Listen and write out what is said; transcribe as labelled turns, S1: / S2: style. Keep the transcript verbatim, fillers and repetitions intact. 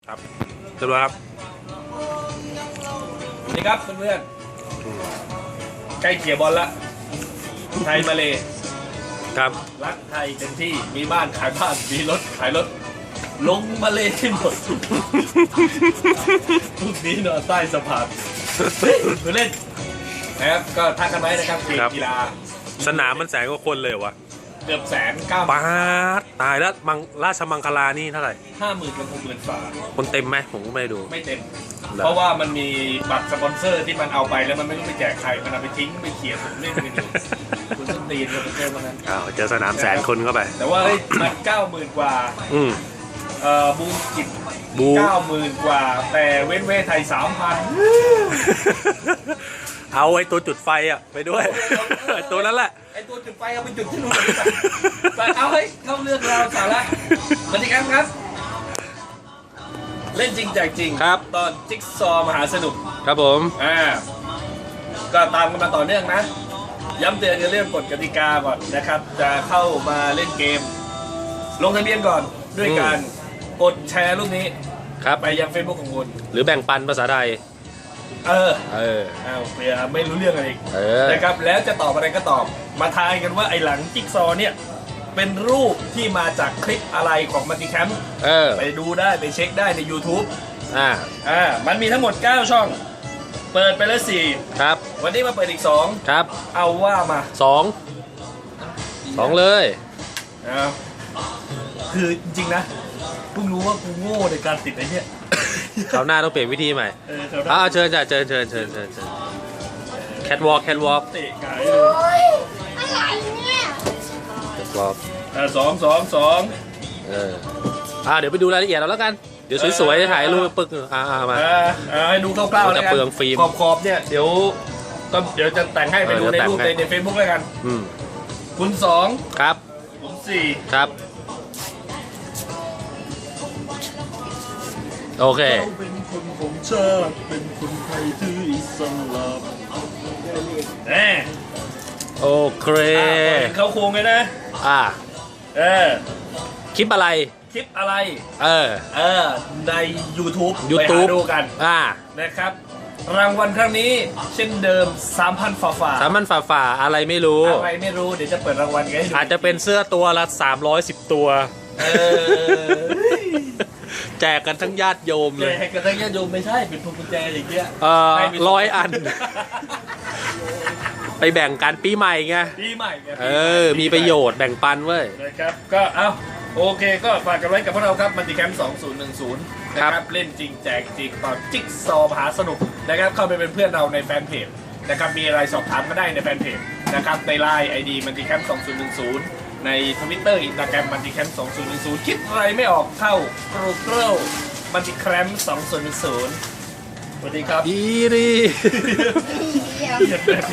S1: ครับเรียบร้อยครับ
S2: นี่ครับเพื่อนๆใกล้เขี่ยบอลละไทยมาเล
S1: ครับ
S2: รักไทยเต็มที่มีบ้านขายบ้านมีรถขายรถลงมาเลให้หมดพวกนี้นอนใต้สะพานเล่นนะครับก็ทักกันไว้นะครับเกมกีฬา
S1: สนามมันแสนกว่าคนเลยวะ
S2: เกือบแสนเก้า
S1: ปาดตายแล้วมังราชมังคลานี่เท่าไหร่
S2: ห้าหมื่นกับหกหมื่นฝา
S1: คนเต็มไหมผมก็ไม่ดู
S2: ไม่เต็มเพราะว่ามันมีบัตรสปอนเซอร์ที่มันเอาไปแล้วมันไม่รู้ไปแจกใครมันเอาไปทิ้งไปเขียนผมเล่นไม่ดูคุณส้นตีนสปอนเซอร์มันนั้น
S1: อ้าวเจอสนามแสนคนเข้าไป
S2: แต่ว่าได้บัตรเก้าหมื่นกว่า
S1: อืม
S2: เอ่อบูมกิจบูเก้าหมื่นกว่าแต่เว้นเว้ไทยสามพัน
S1: เอาไอ้ตัวจุดไฟอ่ะไปด้วยตัวนั้นแหละ
S2: ไอ้ตัวจุดไฟเอาไปจุดที่นู่นแต่เอาให้เข้าเรื่องเราสาระสวัสดีครับครับเล่นจริงแจกจริง
S1: ครับ
S2: ตอนจิ๊กซอมหาสนุก
S1: ครับผม
S2: อ่าก็ตามกันมาต่อเนื่องนะย้ำเตือนในเรื่องกฎกติกาก่อนนะครับจะเข้ามาเล่นเกมลงทะเบียนก่อนด้วยการกดแชร์รูปนี้
S1: ครับ
S2: ไปยัง Facebook ของคุณ
S1: หรือแบ่งปันภาษาไทย
S2: เออ
S1: เออ
S2: เอาเผื่อไม่รู้เรื่องอะไรอีก
S1: อ
S2: นะครับแล้วจะตอบอะไรก็ตอบมาทายกันว่าไอ้หลังจิ๊กซอเนี่ยเป็นรูปที่มาจากคลิปอะไรของมัลติแคมป์ไปดูได้ไปเช็คได้ใน YouTube
S1: อ่า
S2: อ่ามันมีทั้งหมดเก้าช่องเปิดไปแล้วสี่
S1: ครับ
S2: วันนี้มาเปิดอีกสอง
S1: ครับ
S2: เอาว่ามา
S1: สองสองเลย
S2: เอาคือจริงๆนะเพิ่งรู้ว่ากูโง่ในการติดไอ้เนี่ย
S1: คราวหน้าต้องเปลี่ยนวิธีใหม่
S2: เออ
S1: อ่าเชิญจ้ะเชิญเชิญเชิญเชิญเชิญแคทวอล์กแคทวอล์ก
S2: เตะไก่เลย
S3: อะไรเนี่ย
S1: แคทวอล์ก
S2: อ่าสองสองสอง
S1: เอออ่าเดี๋ยวไปดูรายละเอียดเราแล้วกันเดี๋ยวสวยๆจะถ่ายรูปปึกอ่ามา
S2: อ่าให้ดูคร่าวๆแล้วกันขอบขอบเนี่ยเดี๋ยวก็เดี๋ยวจะแต่งให้ไปดูในรูปในเฟซบุ๊กแล้วกัน
S1: อืม
S2: คุณสอง
S1: ครับ
S2: คุณสี่
S1: ครับโอเค
S2: เป็นคนของชาติเป็นคนไทยถืออิสลามแน่
S1: โอเค
S2: เขาโค้งเลยนะ
S1: อ่า
S2: เออ
S1: คลิปอะไร
S2: คลิปอะไร
S1: เออ
S2: เออใน YouTube
S1: ยูทูบ
S2: ดูกัน
S1: อ่า
S2: นะครับรางวัลครั้งนี้เช่นเดิม สามพัน ฝ่าฝ่า
S1: สามพัน ฝ่าฝ่าอะไรไม่รู้
S2: อะไรไม่รู้เดี๋ยวจะเปิดรางวัลกันให้ดู
S1: อาจจะเป็นเสื้อตัวละสามร้อยสิบตัว
S2: เออ
S1: แจกกันทั้งญาติโยมเลย
S2: แจกกันทั้งญาติโยมไม่ใช่เป็นพวงกุญแจอย่างเงี้ย
S1: เออร้อยอันไปแบ่งกันปีใหม่ไง
S2: ปีใหม่ไง
S1: เออมีประโยชน์แบ่งปันเว้ย
S2: นะครับก็เอาโอเคก็ฝากกันไว้กับพวกเราครับมัลติแคมป์สองพันสิบนะครับเล่นจริงแจกจริงตอนจิ๊กซอมหาสนุกนะครับเข้าไปเป็นเพื่อนเราในแฟนเพจนะครับมีอะไรสอบถามก็ได้ในแฟนเพจนะครับในไลน์ ไอ ดี มัลติแคมป์สองพันสิบใน Twitter Instagram มัลติแคมป์สองพันสิบคิดอะไรไม่ออกเข้า Google มัลติแคมป์สองพันสิบสวัสดีครับ
S1: ดีดี